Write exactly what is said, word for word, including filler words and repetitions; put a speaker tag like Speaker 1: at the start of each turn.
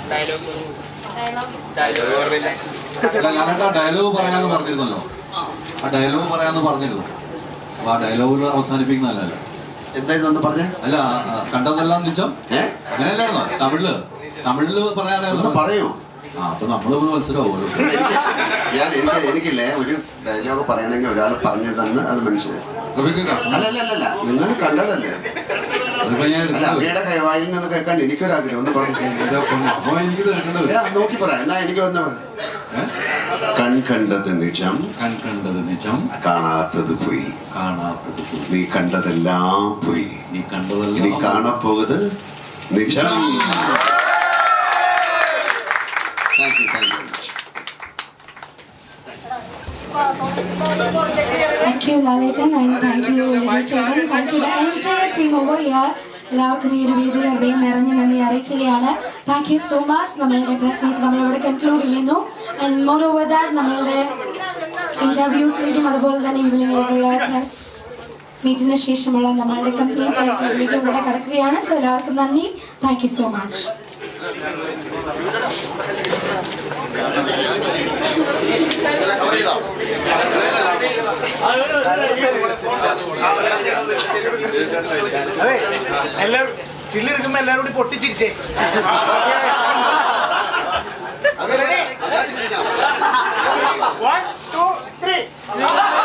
Speaker 1: Dialogue പറയാന്ന് പറഞ്ഞിരുന്നല്ലോ, ആ ഡയലോഗ് പറയാന്ന് പറഞ്ഞിരുന്നു. അപ്പൊ ആ ഡയലോഗ് അവസാനിപ്പിക്കുന്നതല്ല.
Speaker 2: എന്തായിരുന്നു പറഞ്ഞ?
Speaker 1: അല്ല, കണ്ടതെല്ലാം നിച്ചം അങ്ങനെയല്ലായിരുന്നോ? തമിഴില് തമിഴില് പറയാനായിരുന്നു.
Speaker 2: പറയൂ.
Speaker 1: ആ അപ്പൊ നമ്മള് മനസ്സിലാവുമല്ലോ.
Speaker 2: ഞാൻ എനിക്ക് എനിക്കില്ലേ ഒരു ഡയലോഗ് പറയണമെങ്കിൽ ഒരാൾ പറഞ്ഞു തന്ന് അത് മനസ്സിലായി. അല്ല അല്ല അല്ല നിങ്ങൾ കണ്ടതല്ലേ? അല്ല അങ്ങയുടെ കൈവായിൽ നിന്ന് കേൾക്കാൻ എനിക്കൊരാഗ്രഹം ഒന്ന് പറഞ്ഞു. നോക്കി പറയാം. എന്നാ എനിക്ക് വന്ന് കൺ കണ്ടത് നിജം,
Speaker 1: കൺ കണ്ടത് നിജം,
Speaker 2: കാണാത്തത് പോയി,
Speaker 1: കാണാത്തത് പോയി,
Speaker 2: നീ കണ്ടതെല്ലാം പോയി,
Speaker 1: നീ കണ്ടതെല്ലാം
Speaker 2: നീ കാണപ്പോകുത് നിജം. Thank you, thank you very much.
Speaker 3: Thank you, Lalitan, and thank you, Little Children. Thank you, the entire team over here. എല്ലാവർക്കും ഈ ഒരു വേദിയിൽ ഹൃദയം നിറഞ്ഞു നന്ദി അറിയിക്കുകയാണ്. Thank you so much. നമ്മളുടെ പ്രസ് മീറ്റ് നമ്മളിവിടെ കൺക്ലൂഡ് ചെയ്യുന്നു. ആൻഡ് മോർ ഓവർ ദാറ്റ് നമ്മളുടെ ഇന്റർവ്യൂസിലേക്കും അതുപോലെ തന്നെ ഈവനിങ്ങിലേക്കുള്ള പ്രസ് മീറ്റിന് ശേഷമുള്ള നമ്മളുടെ കംപ്ലീറ്റ് ആയിട്ടുള്ളതിലേക്ക് ഇവിടെ കടക്കുകയാണ്. സോ എല്ലാവർക്കും നന്ദി. Thank you so much.
Speaker 4: എല്ലാവരും സ്റ്റില്ലെടുക്കുമ്പോ എല്ലാവരും കൂടി പൊട്ടിച്ചിരിച്ചേ. One, two, three.